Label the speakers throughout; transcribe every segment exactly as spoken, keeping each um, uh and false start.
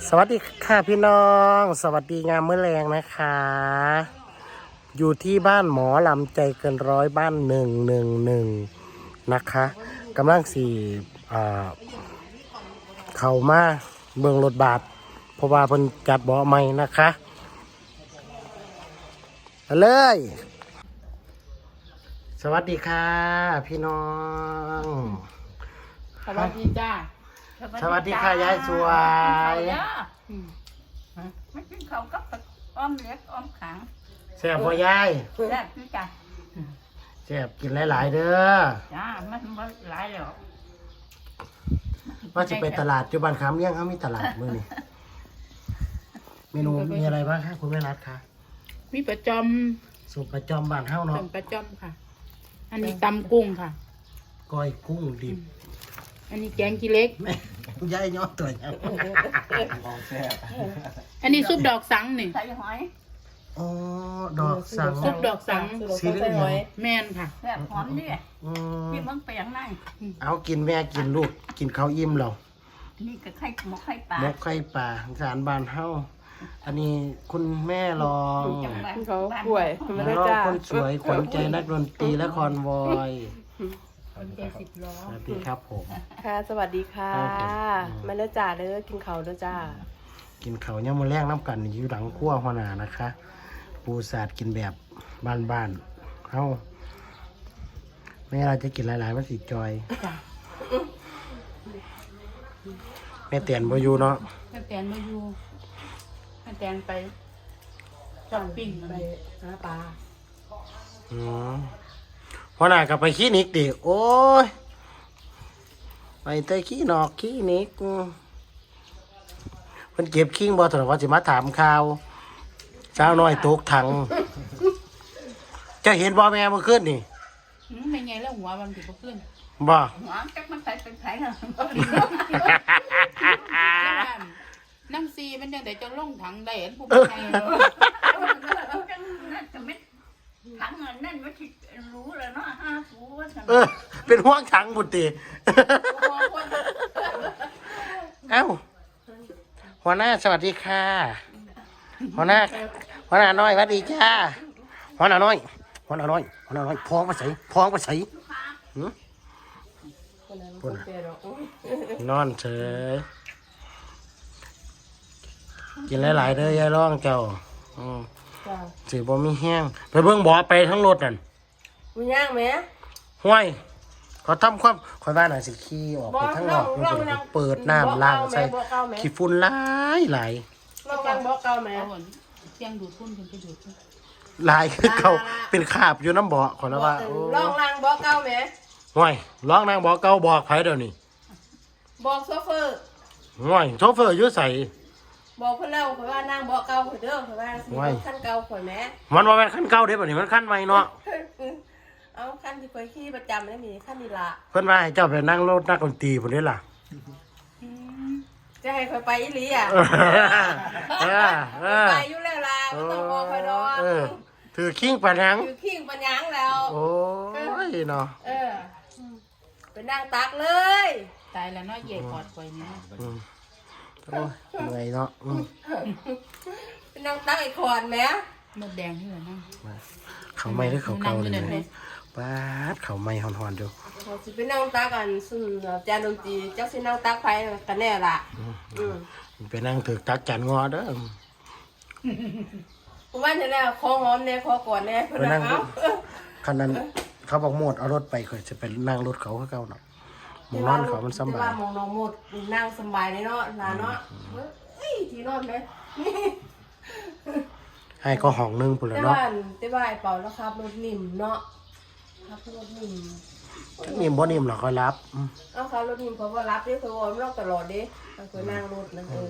Speaker 1: สวัสดีค่ะพี่น้องสวัสดีงามมื้อแรงนะคะ อยู่ที่บ้านหมอลำใจเกินร้อยบ้านหนึ่งหนึ่งหนึ่งนะคะกำลังสี่เข้ามาเบืองรถบาทเพราะว่าเพิ่นจัดเบาะใหม่นะคะมาเลยสวัสดีค่ะพี่น้อง
Speaker 2: สวัสดีจ้า
Speaker 1: สวัสดีค่ะยายสวย
Speaker 2: ไม่กินข้าวกับอ้อมเล็กอ้อมขัง
Speaker 1: แซ่บพ่อยาย
Speaker 2: แซ่บพี่จ้า
Speaker 1: แซ่บกินหลายๆเด้อ
Speaker 2: จ้ามันมันหลายแล้ว
Speaker 1: ว่าจะไปตลาดจุบันคำเลี้ยงเขามีตลาดมื้อนี้เมนูมีอะไรบ้างคะคุณแม่รัฐคะ
Speaker 2: มีประจอม
Speaker 1: สุปประจอมบ้านเฮาเนาะ
Speaker 2: เป็นประจอมค่ะ อันนี้ตำกุ้งค่ะ
Speaker 1: ก้อยกุ้งดิบ
Speaker 2: อันนี้แกงขี้เล็ก
Speaker 1: แม่ยายย้อนตัวยัง
Speaker 2: อันนี้ซุปดอกสังนี่ใส่หอย
Speaker 1: อ๋อดอกสัง
Speaker 2: ซุปดอกสัง
Speaker 1: สีเหลือง
Speaker 2: แม่นค่ะ
Speaker 3: แซ่บหอมดิ
Speaker 1: อืม
Speaker 3: พี่มึงเปียงนั่ง
Speaker 1: เอากินแม่กินลูกกินข้าวอิ่มเรา
Speaker 3: นี่ก็ไข่หมกไข่ปลา
Speaker 1: หมกไข่ปลาสารบ้านเฮาอันนี้คุณแม่รอง
Speaker 3: จังหวัด
Speaker 2: เขาป่วย
Speaker 1: แม่รองคนสวยขวัญใจนักดนตรีและคอนวอย
Speaker 2: คนใจสิบล้อ
Speaker 1: สวัสดีครับผม
Speaker 4: ค่ะสวัสดีค่ะ
Speaker 1: ครับผม
Speaker 4: มาเด้อจ้าเด้อกินข้าวเด้อจ้า
Speaker 1: กินเขาวเนี่ยามมาแรกน้ำกันอยู่หลังขั้วหัวหน้านะคะ ปูสาดกินแบบบ้านๆเฮาไม่เราจะกินหลายๆมันสิจอย
Speaker 2: จ้า
Speaker 1: แม่เตียนบ่อยู่เนาะ
Speaker 2: แม่แตนมาอยู่แม่แตนไปช้อปปิ้ง
Speaker 4: ไป
Speaker 2: ไป
Speaker 4: หาปลา
Speaker 1: อืมหัวหน้าก็ไปคลินิกดิโอ้ยไปเตะขี้นอกคลินิกเพิ่นเก็บคิงบ่ถนัดว่าสิมาถามข่าวสาวน้อยตกถังจะเห็นบ่แม่เมื่อคืนนี่
Speaker 2: อืมไม่ไงแล้วหัวมันถือว่าขึ้น
Speaker 1: บ่
Speaker 3: หอมจักมันใส่เป็นไผ่เหรอ
Speaker 2: น้ำซีมันยังแต่จะล่องถังได้เห็นผู้ชาย
Speaker 3: จังนั่นจะไม่ถังเงินนั่นว่าที่รู้แล้วเนาะห้าฟูว่าสั่ง
Speaker 1: เออเป็นห่วงถังบุตรีเอ้าหัวหน้าสวัสดีค่ะหัวหน้าหัวหน้าน้อยสวัสดีจ้าหัวหน้าน้อยหัวหน้าน้อยหัวหน้าน้อยพ้องมาใส่พ้องมาใส่หืม
Speaker 4: คนนั้น
Speaker 1: พูด
Speaker 4: คน
Speaker 1: นะ
Speaker 4: เจอหรอก
Speaker 1: นอนเฉยกินหลายๆเด้อยายร้องเจ้าอืม
Speaker 4: จ้า
Speaker 1: สิบ่มีแห้งไปเบิ่งบ่อไปทั้งรถนั่น
Speaker 4: มีย่างไหม
Speaker 1: ห้วยเขาทำความคอยว่าน่ะสิขี้ออกไปทั้งนอกมันเป็นเปิดน้ำล้างใส่ขี้ฝุ่นหลายหลาย
Speaker 4: ลองกันบอกเก่าไหม
Speaker 2: เอาหมดเที่ยงดูดพุ่นกันไปดูดพุ่น
Speaker 1: หลายคือเขาเป็นคราบอยู่น้ำบ่อขอแล้วว่าโอ้
Speaker 4: ลองล่างบอกเก่าไหม
Speaker 1: ห้วยร้องนางบ่อเก่าบอกไผเดี๋ยวนี้
Speaker 4: บอกโซเฟอร์
Speaker 1: ห้วยโชเฟอร์อยู่ใส่
Speaker 4: บอกเพื่อนเล่าเพื่อนว่านั่งบอกเก่าเพื่อนเด้อเพื่อนว่าสิขั้นเก่าข่อยแม่
Speaker 1: มันว่าเป็นขั้นเก่าเด้บัดนี้มันขั้นใหม่เนาะ
Speaker 4: เอาขั้นที่ข่อยขี่ประจำได้มีขั้นนี้ละ
Speaker 1: เพิ่นว่าให้เจ้าไปนั่งรถนักดนตรีพุ่นเด้ล่ะ
Speaker 4: จะให้ข่อยไปอีหลีอ่ะ
Speaker 1: เออเออเออ
Speaker 4: ไปอยู่แล้วล่ะไม่ต้องบอกข่อยดอก
Speaker 1: เออถือคิงปะนัง
Speaker 4: อยู่ขิงปัญญังแล้ว
Speaker 1: โอ้ยเนาะ
Speaker 4: เออไปนั่งตักเลย
Speaker 2: ตายแล้วเนาะเหย่กอดไว้นี่
Speaker 1: อืมโอ้ยเหนื่อยเนาะอืม
Speaker 4: ไปนั่งตักไอ้ขอนแหม
Speaker 2: มดแดงที่เหลือนั่ง
Speaker 1: เขาไม่ได้เขาเก่าเลย
Speaker 2: นั่งอยู่นั่นไหม
Speaker 1: ป้าดเขาไม่หอนๆอยู่
Speaker 4: เราสิไปนั่งตักกันซึ่งจานดนตรีเจ้าสินั่งตักไผกันแน่ล่ะอืม
Speaker 1: ไปนั่งถือตักจันงอเด้อ
Speaker 4: ว่าจะแล้วคอหอมแน่คอก่อนแน่เพิ่น
Speaker 1: ไปนั่ง
Speaker 4: เอา
Speaker 1: คันนั้นเขาบอกหมดเอารถไปเคยจะไปนั่งรถเขาเขาเก่าเนาะหมองนอนเขามันสำ
Speaker 4: แต่
Speaker 1: บา
Speaker 4: ว่าย มองน้องหมดนั่งสบายเลยเนาะลาเนาะเฮ้ยที่นอนเลย
Speaker 1: ให้ก็ห้องนึงพุ่น
Speaker 4: แต่
Speaker 1: ละเนาะ
Speaker 4: ว่าแต่ว่าไอ้เป่าแล้วครับรถนิ่มเนาะครับรถนิ่ม
Speaker 1: นิ่มบ่นิ่มหรอกคอยรับอืม
Speaker 4: เอาครับรถนิ่มเขาก็รับเด้เขาบอกไม่ต้องตลอดเด้เขาเคยนั่งรถนะเออ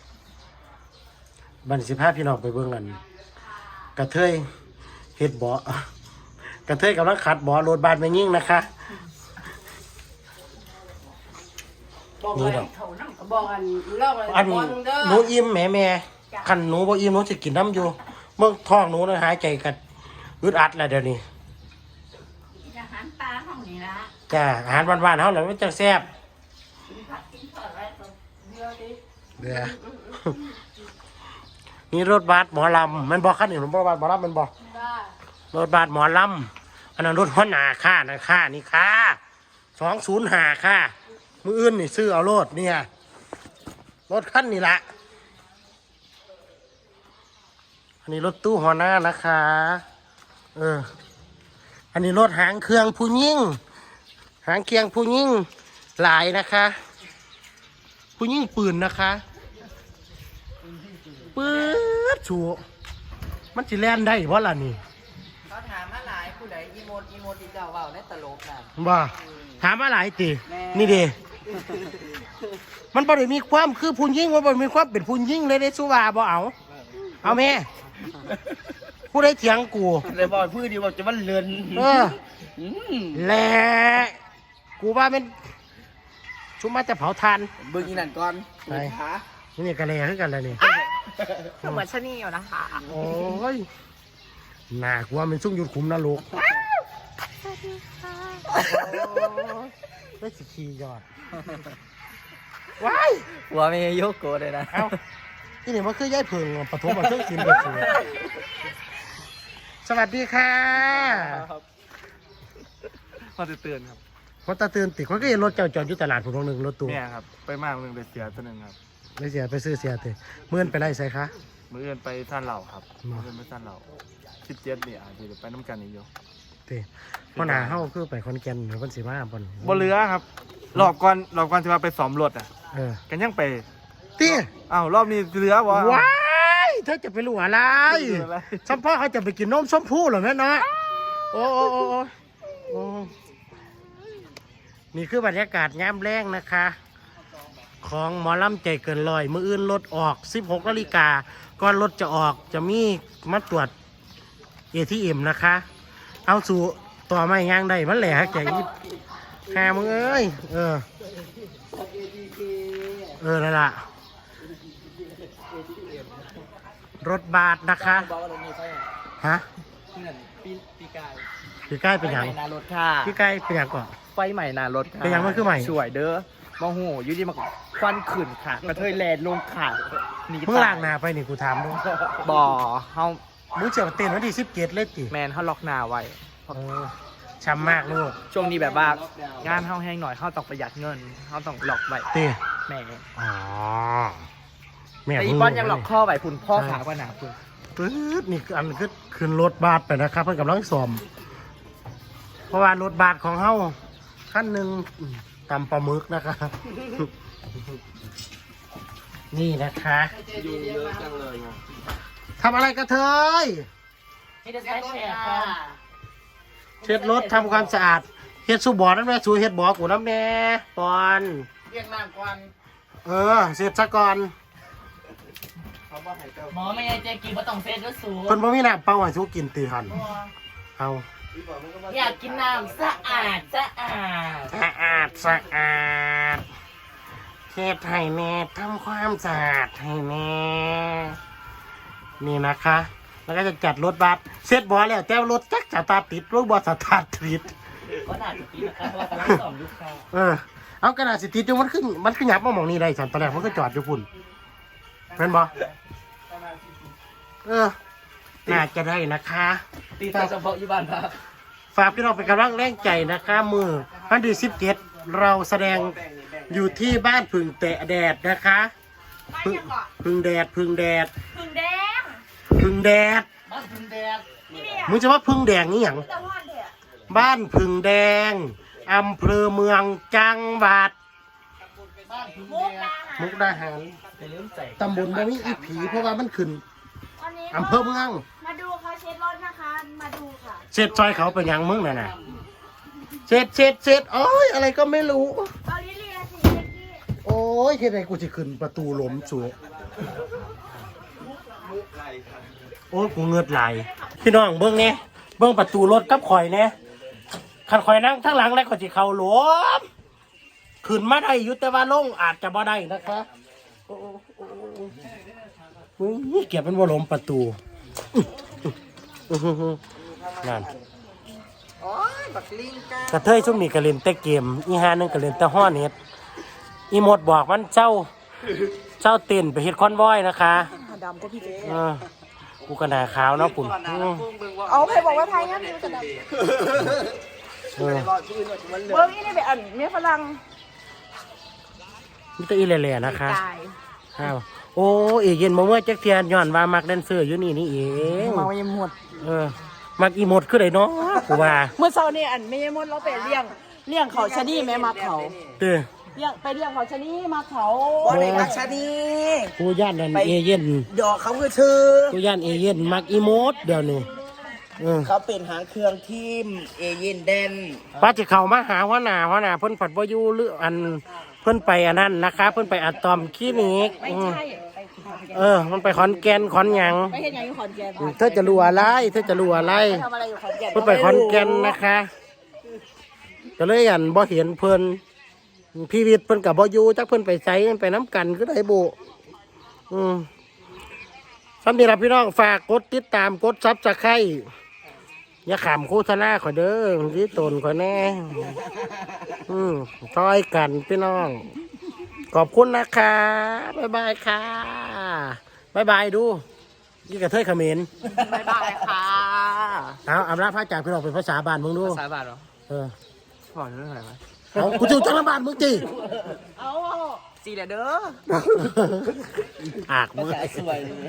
Speaker 1: บัดนสิพาพี่น้องไปเบิ่งกันกระเทยเฮ็ดบ่อกระเทยกำลังขัดบ่อรถบานไปยิ่งนะคะ
Speaker 4: บอก
Speaker 1: นี่
Speaker 4: เลย
Speaker 1: ดอก
Speaker 3: เขานั่งกับ
Speaker 4: บอกอันลอกเลย
Speaker 1: อัน
Speaker 4: บอลเด้อ
Speaker 1: หนูอิ่มแหม่แม่คันหนูบ่อิ่มหนูสิกินน้ำอยู่เมื่อท้องหนูน่ะหายใจกันอึดอัดแล้วเดี๋ยวนี้
Speaker 3: อาหารปลาห้องนี้ละ
Speaker 1: จ้าอาหารบ้านๆเฮาแหละมันจังแซ่บ
Speaker 3: กินผักกินทอดอะไรก็
Speaker 4: เดี๋ยวดิ
Speaker 1: เดี๋ยวนี่รถบัสหมอลำมันบอกขั้นหนึ่งรถบัสหมอลำมันบอกรถบัสหมอลำอันนั้นรถหัวหน้าค่านะค่านี่ค่าสองศูนย์ห้าค่ามืออื่นนี่ซื้อเอารถเนี่ยรถขั้นนี่แหละอันนี้รถตู้หัวหน้านะคะเอออันนี้รถหางเครื่องผู้ยิ่งหางเครื่องผู้ยิ่งหลายนะคะผู้ยิ่งปืนนะคะปืดชัวมันสิแล่นได้เพราะล่ะนี่
Speaker 5: เขาถามมาหลายผู้ใดอีโมดอีโมดที่เจ้าเว้าในตลกน่ะ
Speaker 1: บ่ถามว่าหลายตีนี่เดีมันบ่ได้มีความคือผู้ยิ่งมันบ่มีความเป็นผู้ยิ่งเลยได้สุว่าบ่เอาเอาแม่ผู้ใดเถียงกู
Speaker 5: เลยบอกพื้นดีว่าจะมันเลือน
Speaker 1: เออแหละกูว่าเป็นชุมมาจะเผาทาน
Speaker 5: เบิ่งอีนั่นก่อน
Speaker 1: ไป
Speaker 5: ขา
Speaker 1: นี่กะเลคือกันแล้วนี่
Speaker 2: เหมือนชะนีอยู่นะคะ
Speaker 1: โอ้ยน่ากลัวมันซุ่มยุดขุมนรกได้สิขี่ยอดว้าย
Speaker 5: หัวไม่ยกโกเลยนะ
Speaker 1: เอ้าที่นี่มันคือย่ายเพิงปฐมมาเครื่องกินไปสูสวัสดีค่ะ
Speaker 6: พอจะเตือนครับ
Speaker 1: คนตาตื่นติดเขาก็เห็นรถเจ้าจอดอยู่ตลาดผมตรงหนึ่งรถตู้
Speaker 6: เนี่ยครับ ไปมากหนึ่งไปเสียตัวหนึ่งครับ
Speaker 1: ไม่เสียไปซื้อเสียเตะเมื่อนไปไล่ใส่คะ
Speaker 6: มือเอื่นไปท่านเหล่าครับ
Speaker 1: มา
Speaker 6: มือเอื่นไปท่านเหล่าสิบเจ็ดเนี่ยอาจจะไปน้ำกันอีกอยู่
Speaker 1: เตะเพราะหนาเฮาคือไปคอนแก่นหรือคนสีมาบน
Speaker 6: บนเรือครับรอบก่อนรอบก่อนที่ว่าไปซ้อมรถอ่ะ
Speaker 1: เออ
Speaker 6: กันยังไป
Speaker 1: เตี้ย
Speaker 6: อ้าวรอบนี้เรือวะ
Speaker 1: ว้ายเธอจะไปรู้อะไร
Speaker 6: เรืออะไร
Speaker 1: สัมพ่อเขาจะไปกินนมส้มผู้เหรอแม่เนาะโอ้โอ้โอ้โอ้โอ้นี่คือบรรยากาศยามแรงนะคะ ของหมอลำใจเกินลอยมืออื่นรถออกสิบหกนาฬิกาก่อนรถจะออกจะมีมาตรวจ เอ ที เอ็ม นะคะ เอาสู่ต่อไม่ย่างได้มันแหละแกยิบหามึงเอ้ยเออเออนั่นล่ะรถบาทนะคะ
Speaker 5: บอกว่าเรามีไฟ
Speaker 1: ฮะ
Speaker 5: เงินปีปีกาย
Speaker 1: พี่ใกล้เป็น
Speaker 5: ไฟ
Speaker 1: หยัง
Speaker 5: ใหม่นารถค่ะ
Speaker 1: พี่ใกล้เป็นหยังก่อน
Speaker 5: ไฟใหม่นารถค่ะ
Speaker 1: เป็นยังมันคือใหม่
Speaker 5: สวยเด้อมองหูอยู่ดีมาควันขึ้นค่ะกระเทยแลนลงค่ะหนี
Speaker 1: เพิ่งล่างหนาไปนี่กูถามด้วย
Speaker 5: บ่อเฮา
Speaker 1: มึงเจียวเต้นวันที่สิบเกตเลยจิ
Speaker 5: แมนเฮาล็อกหน้าไว้
Speaker 1: เออช้ำมากลูก
Speaker 5: ช่วงนี้แบบว่างานเฮาแห้งหน่อยเฮาต้องประหยัดเงินเฮาต้องล็อกไว้
Speaker 1: เต้
Speaker 5: แม่
Speaker 1: อ๋อแม่
Speaker 5: แต่อี
Speaker 1: เพิ่
Speaker 5: ป้อนยังล็อกข้อไว้คุณพ่อขาว่าหนาคุณ
Speaker 1: ปื๊ดนี่คืออันคือขึ้นรถบาทไปนะครับเพิ่นกำลังซ่อม เพราะว่ารถบาทของเฮาขั้นหนึ่งอืมตำปลาหมึกนะคะ นี่นะคะทำอะไรกันเทย
Speaker 5: นี่จะใช้แชร์ค่ะ
Speaker 1: เช็ดรถทำความสะอาดเฮ็ดสูบบ่อน้ำแม่สูเฮ็ดบ่อกูน้ำแน่ปอน
Speaker 5: เรียกน้ำก่อน
Speaker 1: เออเสร็จซะก่อน
Speaker 5: หมอไม่ใช่เจกินมาต้องเซตก็สู
Speaker 1: เพิ่นบ่มีน้ำเปล่าให้สูกินตีหันเอา
Speaker 5: อยากกินน้ำสะอาดสะอาด
Speaker 1: สะอาดสะอาดเฮ็ดให้แม่ทำความสะอาดให้แม่นี่นะคะ แล้วก็จะจัดรถบัสเสร็จบ่แล้วแต่รถจักสตาร์ทติดรถบ่สตาร์ทติด
Speaker 5: ก็น่าจะกินนะคะเพราะว่ากำลังสอนลูกค้า
Speaker 1: เออเอากระดาษสิติดอยู่มันขึ้นมันขึ้นยับมาหมองนี้ได้สันตอนแรกมันก็จอดอยู่พุ่นเป็นบ่เออน่าจะได้นะคะ
Speaker 5: ตีตาเฉพาะอยู่บ้านพัก
Speaker 1: ฝากพี่น้องเป็นกำลังแรงใจนะคะมือวันที่สิบเจ็ดเราแสดงอยู่ที่บ้านพึ่งแตะแดดนะคะพึ่งพึ่งแดดพึ่งแดด
Speaker 2: พึ่งแดง
Speaker 1: พึ่งแดด
Speaker 5: บ้านคุณแดด
Speaker 2: นี่เนี่ย
Speaker 1: มึงจะว่าพึ่งแดงนี่หยัง
Speaker 2: ตะวันเถอะ
Speaker 1: บ้านพึ่งแดงอำเภอเมืองจังหวัด
Speaker 5: บ้านคุณ
Speaker 2: มุก
Speaker 5: แด
Speaker 2: ดา
Speaker 5: ด
Speaker 2: หาร
Speaker 1: มุกดาหาร
Speaker 5: อย่าลืมใส่
Speaker 1: ตำบลบ่มีอีผีเพราะว่ามันขึ้น
Speaker 2: วันนี้
Speaker 1: อำเภอเมือง
Speaker 2: มาดูเขาเช็ดรถนะคะ มาดูค่ะ
Speaker 1: เช็ดซอยเขาเป็นหยังมึงน่ะนะเช็ดเช็ดเช็ดโอ้ยอะไรก็ไม่รู้
Speaker 2: เอาลิเลียสิเช็ดที่
Speaker 1: โอ้ยเฮ็ดไงกูจะขึ้นประตูหล้มสูโอ้ยกูเงือดไหลพี่น้องเบิ่งเนี่ยเบิ่งประตูรถกับข่อยเนี่ยคันข่อยนั่งทั้างหลังแล้วก็สิเข้าหลวมขึ้นมาได้อยู่แต่ว่าลงอาจจะบ่ได้นะคะโอ้โอ้โอ้โอ้ยเก็บเป็นบ่หลมประตูอื้อหือหือนั่น
Speaker 5: โอ้ยบักลิงกาก
Speaker 1: ระเทยช่วงนี้ก็เล่นแต่เกมอีหานึงก็เล่นแต่ฮ้อเน็ตอีหมดบอกมันเจ้าเจ้าเต้นไปเฮ็ดคอนวอยนะคะ
Speaker 4: ดำก็พี่
Speaker 1: เออกูกระหนาขาวเนาะปุ่นอืม
Speaker 4: เอาใครบอกว่าไทยงั้นมันจะดำ
Speaker 1: เออ
Speaker 4: เบิ้งนี่ไปอันเมียฝรั่ง
Speaker 1: มิตรอีแหล่ๆนะคะอ้าวโอ้เอเย็นมาเมื่อจักเทียนย้อนว่ามักแดนเซอร์อยู่นี่นี่เอง
Speaker 4: เมายังหมด
Speaker 1: เออมักอีหมดคือไดเนาะกูว่า
Speaker 4: เมื่อเช้านี่อันไม่ยังหมดเราไปเลี้ยงเลี้ยงเขาชะนีแม่มาเขา
Speaker 1: เด้อ
Speaker 4: เลี้ยงไปเลี้ยงเขาชะนีมาเขา
Speaker 1: บ่ได้มักชะนี กูย่านนั่นเอเย็น
Speaker 7: ดอกเขาคือชื่อ
Speaker 1: กูย่านเอเย็นมักอีโมดเดี๋ยวนี้เออ
Speaker 7: เขาเป็นหางเครื่องทีมเอเย่นเดน
Speaker 1: ป้าจะเข้ามาหาหัวหน้าหัวหน้าเพิ่นผัดบ่อยู่หรืออันเพิ่นไปอันนั้นนะคะ เพิ่นไปอะตอมคลินิก
Speaker 4: ไม่
Speaker 1: อืม
Speaker 4: ใช่
Speaker 1: เออ มันไปขอนแก่นขอนหยัง
Speaker 4: ไปเห็นอย่างอยู่ขอนแก่น
Speaker 1: เธอจะรู้อะไรเธอจะรู้อะไร
Speaker 4: ทำอะไรอยู่ขอนแก่น
Speaker 1: เพิ่นไปขอนแก่นนะคะก็เลยอันบ่เห็นเพิ่นพี่วิทย์เพิ่นกับบ่อยู่จักเพิ่นไปไสไปน้ำกันคือได้บุอืมสำหรับพี่น้องฝากกดติดตามกดซับสไครต์อย่าขำโฆษณาขอยเด้อที่ตนขอยแน่อืมช่วยกันพี่น้อง ขอบคุณนะคะบ๊ายบายค่ะบ๊ายบายดูยี่กระเทยเขมร
Speaker 4: บ๊ายบายค่ะ
Speaker 1: เอาอำลาพระจากพี่น้องเป็นภาษาบ้านมึงดู
Speaker 5: สายบาทเหรอ
Speaker 1: เออ
Speaker 5: ขอเรื่องอะไรวะ
Speaker 1: เอากูจะจังบ้านมึงจี
Speaker 4: เอา
Speaker 7: สีแหละเด้อ
Speaker 1: อากมึง
Speaker 7: สวย